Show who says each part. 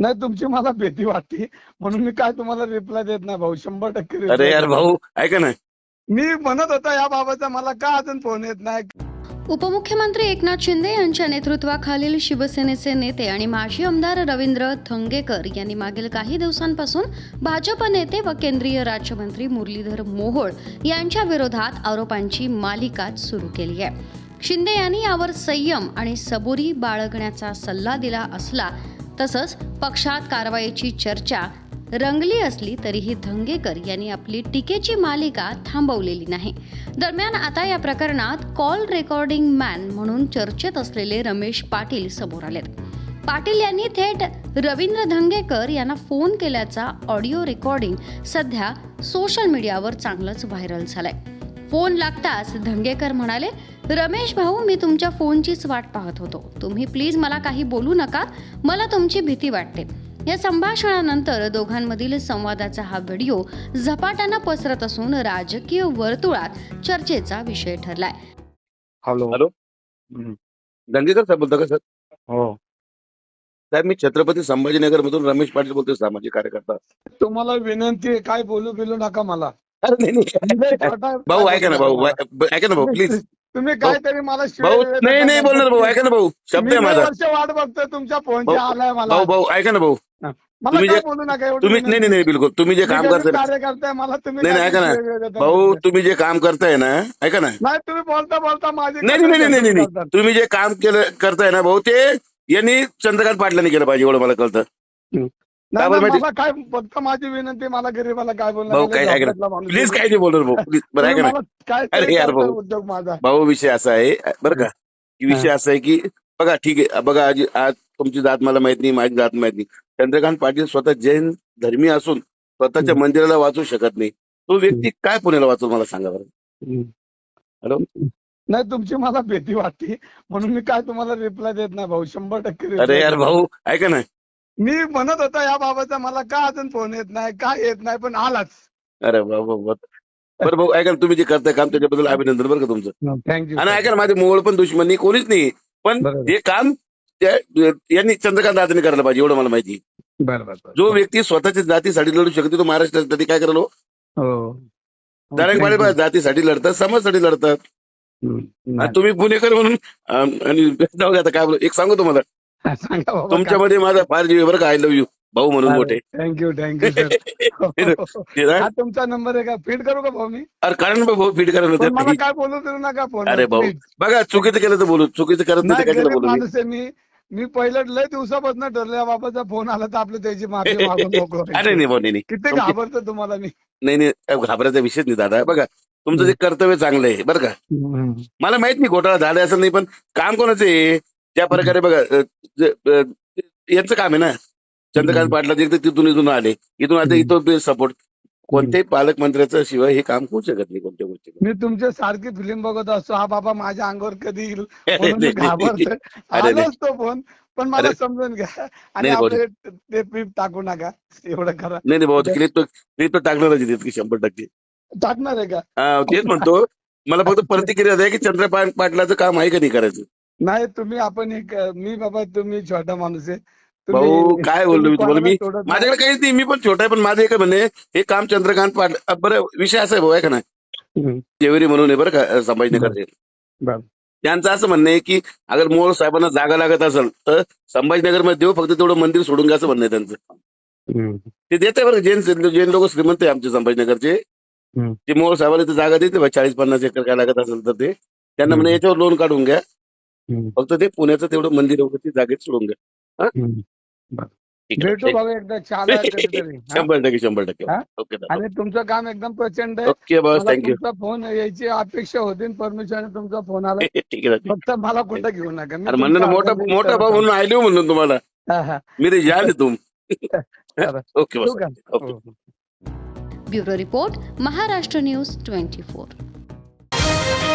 Speaker 1: नाही, तुमची मला भीती वाटते म्हणून मी काय तुम्हाला रिप्लाय देत नाही भाऊ. 100%
Speaker 2: अरे
Speaker 1: रिप्लाय
Speaker 2: यार भाऊ ऐका ना.
Speaker 1: मी म्हणत होता या बाबाचा, मला का अजून फोन येत नाही.
Speaker 3: उपमुख्यमंत्री एकनाथ शिंदे यांच्या नेतृत्वाखालील शिवसेनेचे नेते आणि माजी आमदार रवींद्र धंगेकर यांनी मागील काही दिवसांपासून भाजप नेते व केंद्रीय राज्यमंत्री मुरलीधर मोहोळ यांच्या विरोधात आरोपांची मालिका सुरू केली आहे. शिंदे यांनी यावर संयम आणि सबुरी बाळगण्याचा सल्ला दिला असला तसंच पक्षात कारवाईची चर्चा रंगली असली तरीही धंगेकर यांनी आपली टीकेची मालिका थांबवलेली नाही. दरम्यान आता या प्रकरणात कॉल रेकॉर्डिंग मॅन म्हणून चर्चेत असलेले रमेश पाटील समोर आलेत. पाटील यांनी थेट रवींद्र धंगेकर यांना फोन केल्याचा ऑडिओ रेकॉर्डिंग सध्या सोशल मीडियावर चांगलंच व्हायरल झालंय. फोन लागताच धंगेकर म्हणाले, रमेश भाऊ, मी तुमच्या फोनचीच वाट पाहत होतो. तुम्ही प्लीज मला काही बोलू नका, मला तुमची भीती वाटते. या संभाषणानंतर दोघांमधील संवादाचा हा व्हिडिओ झपाट्यानं पसरत असून राजकीय वर्तुळात चर्चेचा विषय ठरलाय.
Speaker 1: हॅलो.
Speaker 2: हॅलो. दंगेकर साहेब बोलता का सर?
Speaker 1: हो,
Speaker 2: साहेब मी छत्रपती संभाजीनगर मधून रमेश पाटील बोलतोय, सामाजिक कार्यकर्ता.
Speaker 1: तुम्हाला विनंती आहे, काय बोलू बिलू नका मला.
Speaker 2: अरे नाही भाऊ ऐका ना भाऊ, ऐका ना भाऊ प्लीज.
Speaker 1: तुम्ही काहीतरी मला
Speaker 2: भाऊ नाही बोलणार भाऊ, ऐका ना भाऊ, शब्द आहे माझा.
Speaker 1: वर्ष वाट बघतोय तुमच्या फोनची, आलाय मला.
Speaker 2: भाऊ भाऊ ऐका ना भाऊ,
Speaker 1: मला
Speaker 2: तुम्ही
Speaker 1: काय
Speaker 2: जे-
Speaker 1: बोलू नका एवढं.
Speaker 2: तुम्ही नाही बिलकुल तुम्ही जे काम करताय
Speaker 1: कार्यकर्ता मला तुम्ही
Speaker 2: नाही ऐका ना भाऊ, तुम्ही जे काम करताय ना, ऐका ना.
Speaker 1: नाही, तुम्ही बोलता बोलता माझे
Speaker 2: नाही तुम्ही जे काम करताय ना भाऊ, ते यांनी चंद्रकांत पाटलांनी केलं पाहिजे एवढं मला कळतं.
Speaker 1: नाही,
Speaker 2: बरं,
Speaker 1: मला काय फक्त माझी विनंती, मला गरीबाला काय
Speaker 2: भाऊ
Speaker 1: बोलणार
Speaker 2: काय ऐका ना प्लीज, काय नाही बोलणार भाऊ प्लीज. बरं ऐका ना
Speaker 1: काय
Speaker 2: अरे यार भाऊ.
Speaker 1: उद्योग माझा.
Speaker 2: भाऊ विषय असा आहे बरं का, की विषय असा आहे की बघा ठीक आहे, बघा आज तुमची जात मला माहित नाही, माझी जात माहित नाही. चंद्रकांत पाटील स्वतः जैन धर्मी असून स्वतःच्या मंदिराला वाचू शकत नाही. तो व्यक्ती काय पुण्याला वाचू, मला सांगा बरं. हॅलो.
Speaker 1: नाही, तुमची मला भीती वाटते म्हणून मी काय तुम्हाला रिप्लाय देत नाही भाऊ. 100%
Speaker 2: अरे यार भाऊ ऐका ना.
Speaker 1: मी म्हणत होता या बाबाचा, मला का अजून फोन येत नाही, काय येत नाही, पण आलाच.
Speaker 2: अरे भाऊ बरं भाऊ ऐका ना, तुम्ही जे करताय काम त्याच्याबद्दल अभिनंदन बरं का तुमचं.
Speaker 1: थँक्यू.
Speaker 2: आणि ऐका ना, माझे मोवळ पण दुश्मनी कोणीच नाही, पण
Speaker 1: बरोबर.
Speaker 2: हे काम यांनी चंद्रकांत दादांनी करायला पाहिजे एवढं मला माहिती.
Speaker 1: बरोबर.
Speaker 2: जो व्यक्ती स्वतःच्या जातीसाठी लढू शकतो तो महाराष्ट्रासाठी काय करायला
Speaker 1: हो.
Speaker 2: दारांगबाळे जातीसाठी लढतात, समाजासाठी लढतात. आणि तुम्ही पुणेकर म्हणून आणि जाऊ दे आता काय बोलू, एक सांगू तुम्हाला,
Speaker 1: सांगा बाबा.
Speaker 2: तुमच्यामध्ये माझा फार जीव आहे बरं का, आय लव्ह यू भाऊ म्हणून मोठे.
Speaker 1: Thank you sir. हा तुमचा नंबर आहे का, फीड करू का भाऊ मी?
Speaker 2: अरे कारण भाऊ फीड
Speaker 1: पण मला
Speaker 2: करायला.
Speaker 1: काय बोलू देऊ नका फोन.
Speaker 2: अरे भाऊ बघा, चुकीचं केलं तर बोलू, चुकीचं करत नाही तर कशाला बोलू मी.
Speaker 1: माणूस आहे मी पहिलं लय दिवसापासून ठरलं, या बाबाचा फोन आला तर आपलं त्याची माफी मागून मोकळं व्हायचं.
Speaker 2: अरे नाही भाऊ नाही
Speaker 1: किती घाबरतो तुम्हाला मी.
Speaker 2: नाही घाबरायचा विषयच नाही दादा. बघा तुमचं जे कर्तव्य चांगलं आहे बरं का, मला माहित नाही घोटाळा झाला असं नाही, पण काम कोणाचं आहे ज्या प्रकारे बघा यांचं काम आहे ना. चंद्रकांत पाटला एकदा तिथून इथून आले, इथून आता इथं सपोर्ट कोणत्याही पालकमंत्र्याचं शिवाय हे काम होऊ शकत नाही कोणत्या गोष्टी.
Speaker 1: मी तुमच्या सारखी फिल्म बघत असतो, हा बाबा माझ्या अंगावर कधी येईल म्हणून मी घाबरतोय.
Speaker 2: अरे
Speaker 1: आलोच तो फोन, पण मला
Speaker 2: अरे.
Speaker 1: समजून घ्या आणि
Speaker 2: नाही भाऊ.
Speaker 1: आपले ते क्लिप टाकू नका, एवढं करा.
Speaker 2: नाही भाऊ, क्लिप तो टाकणारच आहे की 100%.
Speaker 1: टाकणार आहे का?
Speaker 2: तेच म्हणतो, मला फक्त प्रतिक्रिया द्या की चंद्रकांत पाटलाचं काम आहे का नाही करायचं.
Speaker 1: नाही, तुम्ही आपण एक मी बाबा, तुम्ही छोटा माणूस आहे.
Speaker 2: भाऊ काय बोललो मी तुम्हाला, मी
Speaker 1: कोणाला सोडत नाही.
Speaker 2: माझ्याकडे काहीच नाही, मी पण छोटा आहे, पण माझं एक म्हणणे हे काम चंद्रकांत पाटील. बरं विषय असा आहे भाऊ आहे का नाही, जेवरी म्हणून आहे बरं का संभाजीनगरचे.
Speaker 1: बरं.
Speaker 2: त्यांचं असं म्हणणं आहे की अगर मोहोळ साहेबांना जागा लागत असेल तर संभाजीनगर मध्ये देऊ, फक्त तेवढं मंदिर सोडून घ्या असं म्हणणं आहे त्यांचं. ते देते बरं, जैन लोक श्रीमंत आहे आमचे संभाजीनगरचे. ते मोहोळ साहेबांना ते जागा देते 40-50 एकर काय लागत असेल तर ते त्यांना म्हणे याच्यावर लोन काढून घ्या, फक्त ते पुण्याचं तेवढं मंदिर वगैरे जागेत सोडून घ्या. ठीक आहे.
Speaker 1: भेटू बाबा एकदा, चाला कधीतरी. हा?
Speaker 2: 100%
Speaker 1: हा?
Speaker 2: ओके
Speaker 1: आणि तुमचं काम एकदम प्रचंड आहे.
Speaker 2: ओके बस,
Speaker 1: मला
Speaker 2: थँक्यू.
Speaker 1: तुमचा फोन यायची अपेक्षा होती, परमिशन तुमचा फोन आला.
Speaker 2: ठीक आहे.
Speaker 1: फक्त मला कुठं घेऊ नका. मी
Speaker 2: अरे म्हणलं ना,
Speaker 1: तुमचा
Speaker 2: मोठा
Speaker 1: आनंद
Speaker 2: भाऊ म्हणून आयलो म्हणून तुम्हाला,
Speaker 1: हा, हा.
Speaker 2: मेरे जान है तुम. ओके
Speaker 1: ठेवू
Speaker 2: बस.
Speaker 1: का?
Speaker 2: ओके.
Speaker 1: हो.
Speaker 3: Bureau report, Maharashtra news 24.